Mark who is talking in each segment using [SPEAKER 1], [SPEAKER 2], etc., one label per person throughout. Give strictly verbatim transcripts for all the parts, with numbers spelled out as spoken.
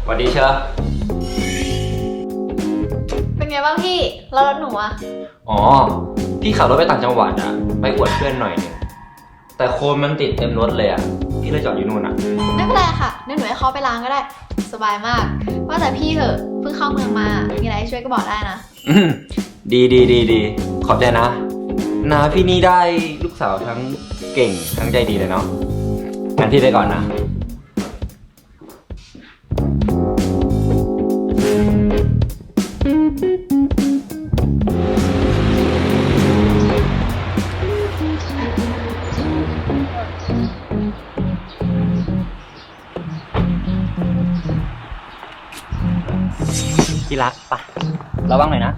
[SPEAKER 1] สวัสดีเชอร์
[SPEAKER 2] เป็นไงบ้างพี่แล้วรถหนูอะ
[SPEAKER 1] อ๋อพี่ขับรถไปต่างจังหวัดอะไปอวดเพื่อนหน่อยนึงแต่โคลนมันติดเต็มรถเลยอะพี่เลยจอดอยู่นู่นอะ
[SPEAKER 2] ไม่เป็นไรค่ะเดี๋ยวหนูให้เขาไปล้างก็ได้สบายมากว่าแต่พี่เถอะเพิ่งเข้าเมืองมามีอะไรให้ช่วยก็บอกได้นะ
[SPEAKER 1] อืมดีดีดีดีขอบใจนะนาพี่นี่ได้ลูกสาวทั้งเก่งทั้งใจดีเลยเนาะงั้นพี่ไปก่อนนะที่รักปะระวังหน่อยนะ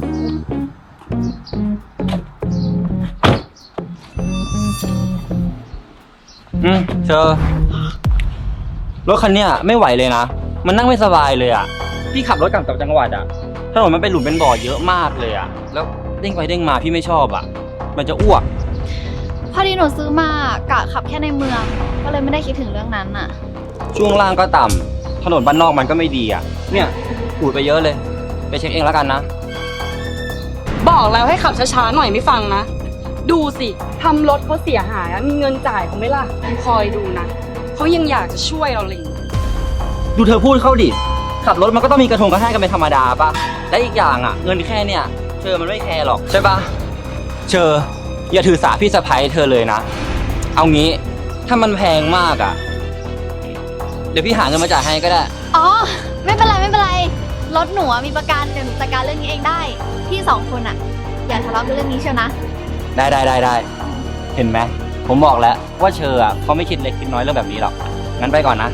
[SPEAKER 1] อืมเชอรถคันเนี้ยไม่ไหวเลยนะมันนั่งไม่สบายเลยอ่ะพี่ขับรถกลับจากจังหวัดอ่ะถนนมันเป็นหลุมเป็นบ่อเยอะมากเลยอ่ะแล้วเด้งไปเด้งมาพี่ไม่ชอบอ่ะมันจะอ้วก
[SPEAKER 2] พอดีหนูซื้อมากะขับแค่ในเมืองก็เลยไม่ได้คิดถึงเรื่องนั้นน่ะ
[SPEAKER 1] ช่วงล่างก็ต่ำถนนบ้านนอกมันก็ไม่ดีอ่ะเนี่ยปูดไปเยอะเลยไปเช็คเองแล้วกันนะ
[SPEAKER 3] บอกแล้วให้ขับช้าๆหน่อยไม่ฟังนะดูสิทำรถเขาเสียหายมีเงินจ่ายเขาไหม่ล่ะคอยดูนะเขายังอยากจะช่วยเราเลย
[SPEAKER 1] ดูเธอพูดเข้าดิขับรถมันก็ต้องมีกระทงกระแทกกันเป็นธรรมดาป่ะและอีกอย่างอ่ะเงินแค่เนี่ยเชอมันไม่แคร์หรอกใช่ป่ะเชออย่าถือสาพี่สะใภ้เธอเลยนะเอางี้ถ้ามันแพงมากอ่ะเดี๋ยวพี่หาเงินมาจ่ายให้ก็ได้
[SPEAKER 2] อ๋อไม่เป็นไรไม่เป็นไรรถหนูมีประกันเดี๋ยวหนูจัดการเรื่องนี้เองได้พี่สองคนอ่ะอย่าทะเลาะกันเรื่องนี้เชียวนะ
[SPEAKER 1] ได้ได้ได้ได้เห็นไหมผมบอกแล้วว่าเชออ่ะเขาไม่คิดเล็กคิดน้อยเรื่องแบบนี้หรอกงั้นไปก่อนนะ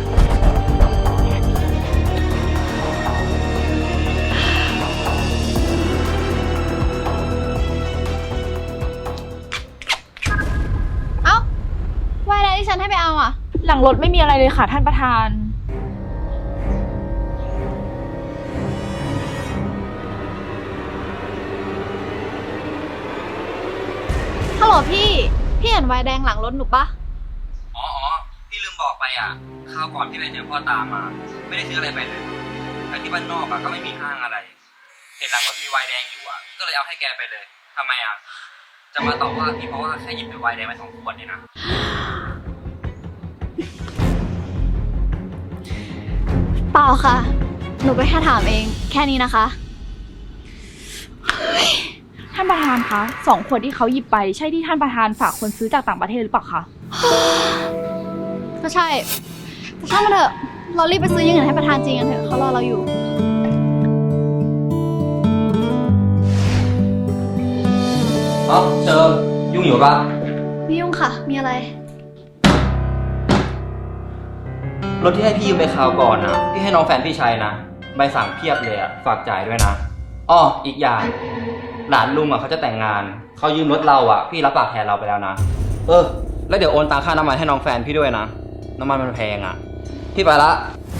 [SPEAKER 2] เอ้าว่าอะไรที่ฉันให้ไปเอาอ่ะ
[SPEAKER 3] หลังรถไม่มีอะไรเลยค่ะท่านประธาน
[SPEAKER 2] ฮัลโหลพี่พี่เห็นไวน์แดงหลังรถหนูปะ
[SPEAKER 1] อ๋ออ๋อพี่ลืมบอกไปอ่ะคราวก่อนพี่ไปเจอพ่อตามาไม่ได้ซื้ออะไรไปเลยแต่ที่บ้านนอกอ่ะก็ไม่มีห้างอะไรเห็นหลังรถมีไวน์แดงอยู่อ่ะก็เลยเอาให้แกไปเลยทำไมอ่ะจะมาตอบว่าพี่เพราะว่าแค่หยิบไปไวน์แดงมาสองขวดเนี่ยนะ
[SPEAKER 2] เปล่าค่ะหนูก็แค่ถามเองแค่นี้นะคะ
[SPEAKER 3] ท่านประธานคะสองขวดที่เขาหยิบไปใช่ที่ท่านประธานฝากคนซื้อจากต่างประเทศหรือเปล่าคะ
[SPEAKER 2] ก็ใช่แต่ช่างมันเถอะเรารีบไปซื้ออย่างอื่นให้ประธานจริงกันเถอะเขารอเราอยู่
[SPEAKER 1] อ๋อเจอยุ่งอยู่ปะ
[SPEAKER 2] ไม่ยุ่งค่ะมีอะไร
[SPEAKER 1] รถที่ให้พี่ยืมไปคราวก่อนนะพี่ให้น้องแฟนพี่ใช้นะใบสั่งเพียบเลยอะฝากจ่ายด้วยนะอ้ออีกอย่างหลานลุงอ่ะเขาจะแต่งงานเขายืมรถเราอ่ะพี่รับปากแทนเราไปแล้วนะเออแล้วเดี๋ยวโอนตังค่าน้ำมันให้น้องแฟนพี่ด้วยนะน้ำมันมันแพงอ่ะพี่ไปละ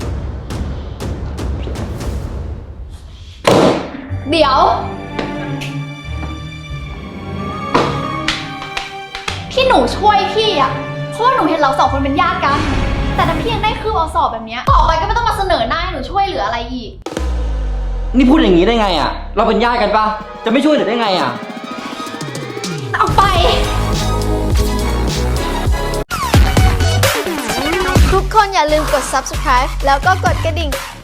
[SPEAKER 2] เดี๋ยวที่หนูช่วยพี่อ่ะเพราะว่าหนูเห็นเราสองคนเป็นญาติกันแต่ถ้าพี่ยังได้คืบเอาสอบแบบนี้ต่อไปก็ไม่ต้องมาเสนอหน้าให้หนูช่วยเหลืออะไรอีก
[SPEAKER 1] นี่พูดอย่างนี้ได้ไงอ่ะเราเป็นญาติกันปะจะไม่ช่วยเหลือได้ไงอ่ะ
[SPEAKER 2] เอาไปทุกคนอย่าลืมกด ซับสไครบ์ แล้วก็กดกระดิ่ง